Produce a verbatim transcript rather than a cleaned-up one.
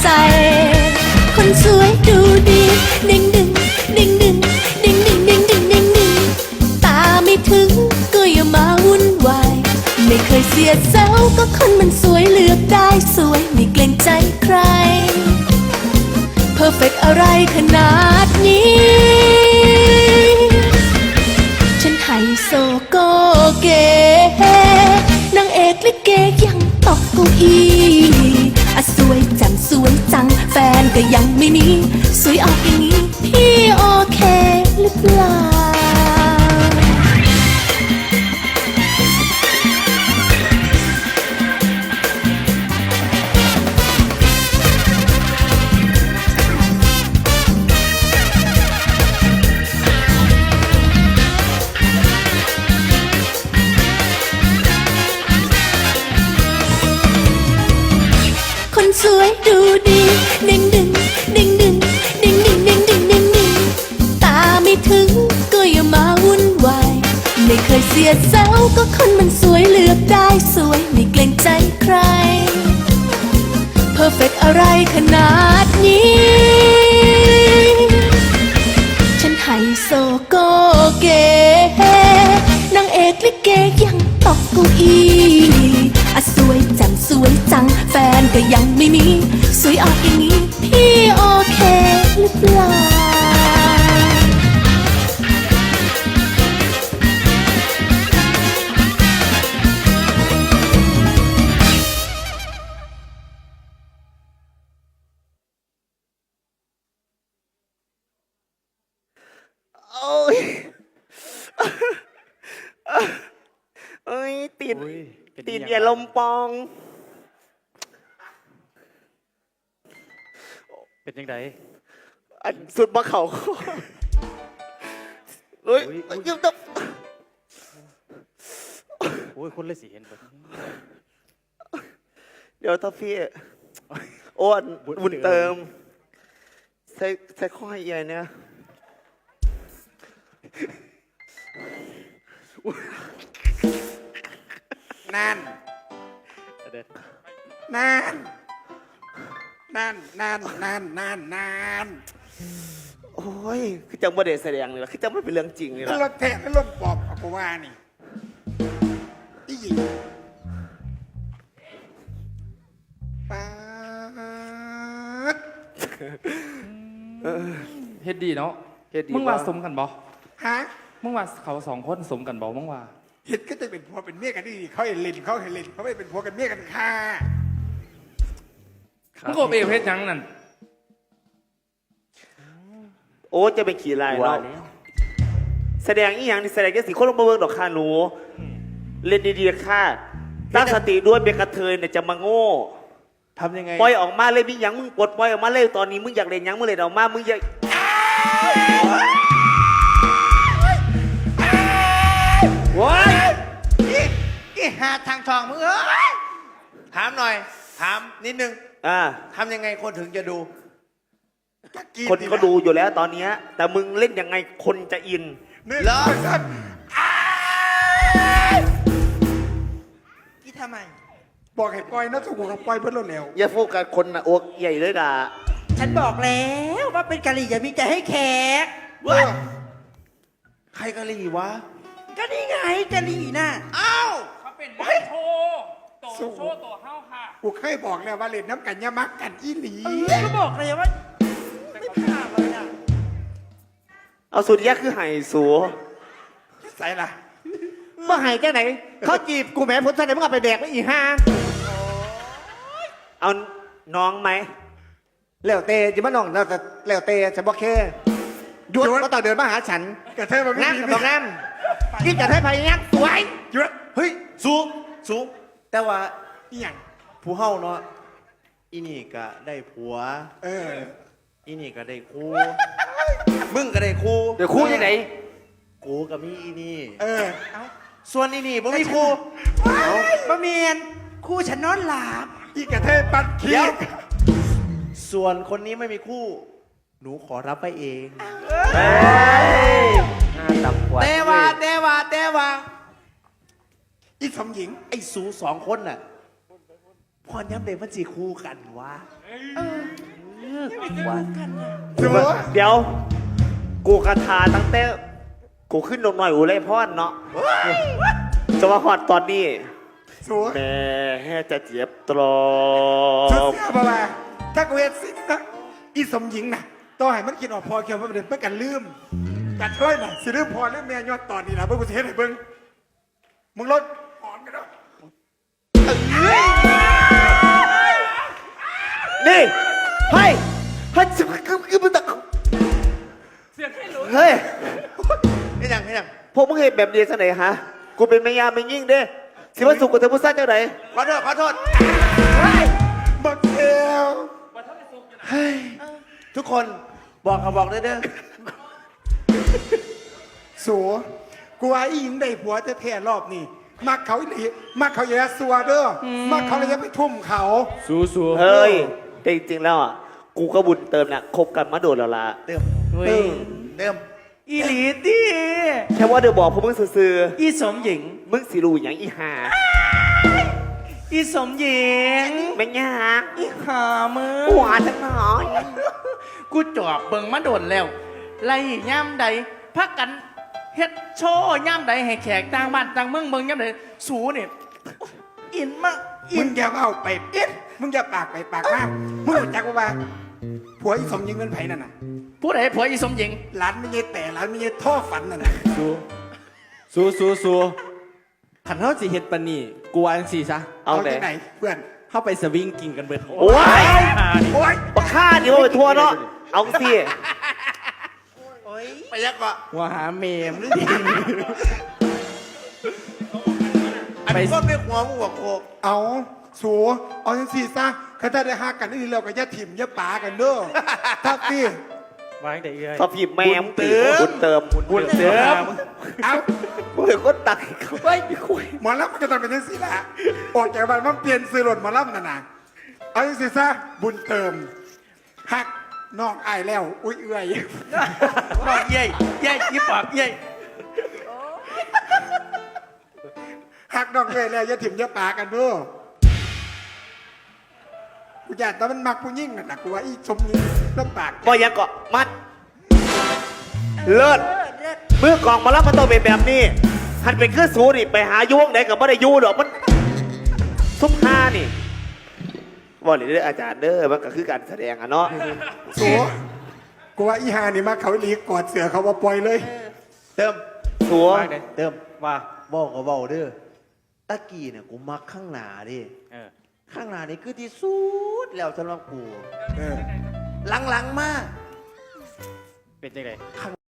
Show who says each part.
Speaker 1: ใจคนสวยดูดีดึงดึงดึงดึงดึงดึงดึงดึงดึงดึงตาไม่ถึงก็อย่ามาวุ่นวายไม่เคยเสียเซลก็คนมันสวยเลือกได้สวยไม่เกรงใจใครเพอร์เฟกต์อะไรขนาดนี้ฉันไฮโซโกเก๋นางเอกลิเกยังตกเก้าอี้อะสวยจังสวยจังแฟนก็ยังไม่มีสวยออกอย่างนี้พี่โอเคหรือเปล่าสวยดูดีดึงดึงดึงดึงดึงดึงดึงดึงดึงดึงตาไม่ถึงก็อย่ามาวุ่นวายไม่เคยเสียเซลก็คนมันสวยเลือกได้สวยไม่เกรงใจใครเพอร์เฟกต์อะไรขนาดนี้ฉันไฮโซโกเก๋นางเอกลิเกยังตกเก้าอี้อะสวยจังสวยจังแฟนก็ยังไม่มีสวยออกอย่างนี้พี่โอเคหรือเปล่า
Speaker 2: โอ้ยเอ้ยติดติดอย่าลมปอง
Speaker 3: เป็นยังไง
Speaker 2: อันสุดมาเขาเฮ้ยยิ้มตบ
Speaker 3: โอ้ยคนเลยสิเห็นแบบ
Speaker 2: เดี๋ยวถ้าพี่อ้วนบุญเติมใส่ใส่ข้อใหญ่เนี่ย
Speaker 4: นั่นนั่นนั่นนั่นนั่นนั่นนั่น
Speaker 2: โอ้ยคือจังประเด็แสดงเลยล่ะคือจังไม่เป็นเรื่องจริงเลยล่ะ
Speaker 4: รถแทะแล้วรถปอบกูว่านี่อีหญิงป๊าด
Speaker 3: เฮ็ดดีเนาะ
Speaker 2: เฮ็ดดี
Speaker 3: มึงว่าสมกันบ่
Speaker 4: ฮะ
Speaker 3: มึงว่าเขาสองคนสมกันบ่มึงว่า
Speaker 4: เห็นก็จะเป็นผัวเป็นเมียกันดีเขาเห็นเล่นเขาเห็นเล่นเขาไม่เป็นผัวกันเมียกันค่ะ
Speaker 3: มึงก็เอวเฮ็ดยังนั่น
Speaker 2: โอ้จะเป็นขี่ลายเนาะแสดงอีหยังนี่แสดงแค่สีคนลงมาเบิ่งดอกค่ะหนูเล่นดีๆค่ะตั้งสติด้วยเป็นกระเทยเนี่ยจะมาโง่
Speaker 4: ทำยังไง
Speaker 2: ปล่อยออกมาเลยมีหยังมึงปลดปล่อยออกมาเลยตอนนี้มึงอยากเล่นหยังมึงเล่นออกมามึงอยาก
Speaker 4: ว้ายอีหาทางทองมึงเอ้ยถามหน่อยถามนิดนึง
Speaker 2: อ่า
Speaker 4: ทำยังไงคนถึงจะดู
Speaker 2: คนก็ดูอยู่แล้วตอนนี้แต่มึงเล่นยังไงคนจะอิน
Speaker 4: เหรอกี่ทำไมบอกให้ปล่อยนะถูกกับปล่อยเพื่อนเร็ว
Speaker 2: อย่าโฟกัสคนนะโอ๊กใหญ่เลยด่า
Speaker 5: ฉันบอกแล้วว่าเป็นกะหรี่อย่ามีใจให้แขก
Speaker 4: ว่าใครกะหรี่วะ
Speaker 5: ก็นี่ไงกะหรี่น่ะ
Speaker 4: อ้าว
Speaker 3: เขาเป็นนักโชว์ตัวโชว์ตัวเฮาค่ะ
Speaker 4: กูเคยบอกแล้วว่าเล่นน้ำกันยามักกันอีหลี
Speaker 5: ก็บอกเลยว่าไม่ผ่านเลยอ่ะ
Speaker 2: เอาสุดยะคือไห่สัว
Speaker 4: ใส่ละ
Speaker 5: เมื่อไห่แค่ไหนเขาจีบกูแม่พุทธะไหนมึงเอาไปแดกไปอีห้า
Speaker 2: เอาน้องไหม
Speaker 5: แล้วเตจิมาน้องแล้วแต่แล้วเตฉันบอกแค่หยุดก็ต้องเดินมาหาฉัน
Speaker 4: กระเทยมัน
Speaker 5: น้ำบอกน้ำกินกระเทยพายยักษ์สวย
Speaker 4: หยุด
Speaker 6: เฮ้ยสูงสูงแต่ว่า
Speaker 4: อีหยัง
Speaker 6: ผู้เฮาเนาะอีนี่ก็ได้ผัว
Speaker 4: เออ
Speaker 6: อีนี่ก็ได้คู่มึงก็ได้คู่
Speaker 2: เดี๋ยวคู่ที่ไหน
Speaker 6: กูกับมีอีนี่
Speaker 4: เออ
Speaker 6: ส่วนอีนี่บ่มีคู่
Speaker 5: บะเมียนคู่ฉันนอนหลับ
Speaker 4: อีกระเทยปัดขี้
Speaker 6: ส่วนคนนี้ไม่มีคู่หนูขอรับไปเอง
Speaker 5: เตวาเตวาเตวา
Speaker 4: อีสมหญิง
Speaker 6: ไอ้สูสองคนน่ะพอย้ำเด็กมันจีคู่กันวะ
Speaker 5: สัว
Speaker 2: เดี๋ยว กูกระทาตั้งแต่กูขึ้นนมหน่อยอูเลยพ่อนเนาะจะมาหอดตอนนี้
Speaker 5: สัว
Speaker 2: แม่จะเจ็บตรอ
Speaker 5: ชุด
Speaker 2: บ
Speaker 5: เสียบ่าถ้ากูเฮ็ดสิ่งนะอีสมหญิงน่ะต้องให้มันกินออกพอเคียวมันเป็นเพื่อกันลืมกัดเฮ้ยน่ะสิลืมพอลืมแม่ยอดตอนนี้นะเบิ่งกูสิเฮ็ดให้เบิ่งมึงลดหอนกันเนาะ
Speaker 2: นี่เฮ้ยเฮ้ยจะคือคือมันตะ
Speaker 3: เสียงให้รู้
Speaker 2: เฮ้ย
Speaker 4: นี่ยังนี่ยัง
Speaker 2: พวกมึงเห็นแบบนี้ซะไหนฮะ กูเป็นแม่ยามไม่ยิ่งเด้สิว่าสุกกับเธอผู้ซ่าเจ้าไหน
Speaker 4: ขอโทษขอโทษ
Speaker 5: บักเอว
Speaker 6: ทุกคนบอกเขาบอกได้เด้อ
Speaker 5: สัวกูว่าอีหญิงได้ผัวแท้ๆรอบนี้มักเขาอีหลีมักเขาอย่าสัวเด้ออมักเขาเลยอย่าไปทุ่มเขา
Speaker 6: สู้สู้
Speaker 2: เฮ้ยแต่จริงๆแล้วอ่ะ กูก็บุญเติมน่ะคบกันมาโดนแล้วล่ะ
Speaker 4: เติม
Speaker 6: เฮ้ย
Speaker 4: เติม
Speaker 6: อีหลีตี
Speaker 2: แค่ว่าเดี๋ยวบอกพวกมึงซื่อ
Speaker 6: อีสมหญิง
Speaker 2: ๆมึงสิรู้อย่างอีหา
Speaker 6: อีสมหญิง
Speaker 2: ไม่ยาก
Speaker 6: อีหามือ
Speaker 2: หวานจังหน่อย
Speaker 6: กูจอบเบิ่งมาโดนแล้ว ไล่ย่ำใดพักกันเฮ็ดโชว์ย่ำใดให้แขกต่างบ้านต่างเมืองเมืองย่ำใดสูเนี่ยอินมากอิ
Speaker 5: มึ
Speaker 6: น
Speaker 5: งอย่าเอาไปเอ็ดมึงอย่าปากไปปากมากมึงรู้จักว่าผัวอีสมหญิงเป็นไผนั่นน่ะ
Speaker 6: ผู้ใดผัวอีสมหญิง
Speaker 5: ร้านไม่ใช่แต่ร้านไม่ใช่ท่อฝันนั่นน่ะ
Speaker 6: สู้สู้สู้สู้ขันเท้าสิเฮ็ดปานนี่กูวาจังสี่ซะ
Speaker 2: เอา
Speaker 5: เอา
Speaker 2: ไหน
Speaker 5: ที่ไหนเพื่อน
Speaker 6: เข้าไปสวิงกินกันเบิด
Speaker 2: โอ้ย
Speaker 5: โอ๊ย
Speaker 2: บักฆ่าดิว่าไปทัวร์เนาะ เอาสิ
Speaker 4: ไปยักก่อน
Speaker 6: ว่าหาเมมหรือดี
Speaker 4: อันนี้ก็ไม่หัวมึงหัวโคก
Speaker 5: เอาสัวเอาจังสี่ซะข้าถ้าได้หักกันนี่เราก็อย่าถิ่มอย่าป่ากันเด้อทักสิ
Speaker 6: วางแต่เอื้อย
Speaker 2: พอพิมพ์แม่มงตีบุญเติม
Speaker 6: บุญเติม
Speaker 5: เอา
Speaker 2: มึงเป็นคนตักให้เขาไปไม่คุย
Speaker 5: หมอลำมันก็ต้องเป็นจังสี่ละออกจากบ้านมันเปลี่ยนซื้อรถหมอลำนั่นน่ะเอาจังสี่ซะบุญเติมหักน้องอายแล้ว อุ้ยเอื่อย
Speaker 6: บอกเย่ยเย่ยยิบปากเย่ย
Speaker 5: หักน้องเอื่อยแล้วอย่าถิ่มอย่าป่ากันเด้อกูอยากแต่มันมักผู้ยิ่งน่ะนะกูว่าอีชมยิงลำปาก
Speaker 2: บ่ยังเกาะมัด เลิศเมื่อกองมาแล้วมันต้องเป็นแบบนี้หันเป็นเครื่องสูนี่ไปหายวงไหนกับไม่ได้ยูดอกมันซุปห้านี่บอกเลยเด้ออาจารย์เด้อมันก็คือการแสดงอะเนาะ
Speaker 5: สัวกูว่าอีหานี่มาเขาอีหลีกอดเสือเขาว่าปล่อยเลย
Speaker 4: เติม
Speaker 2: สัว
Speaker 6: เติมว่า
Speaker 7: บอกก็บอกเด้อตะกี้เนี่ยกูมักข้างหน้าดิ
Speaker 6: เออ
Speaker 7: ข้างหน้านี่คือที่สุดแล้วสำหรับกู
Speaker 5: เออ
Speaker 7: หลังๆมา
Speaker 6: เป็นจังได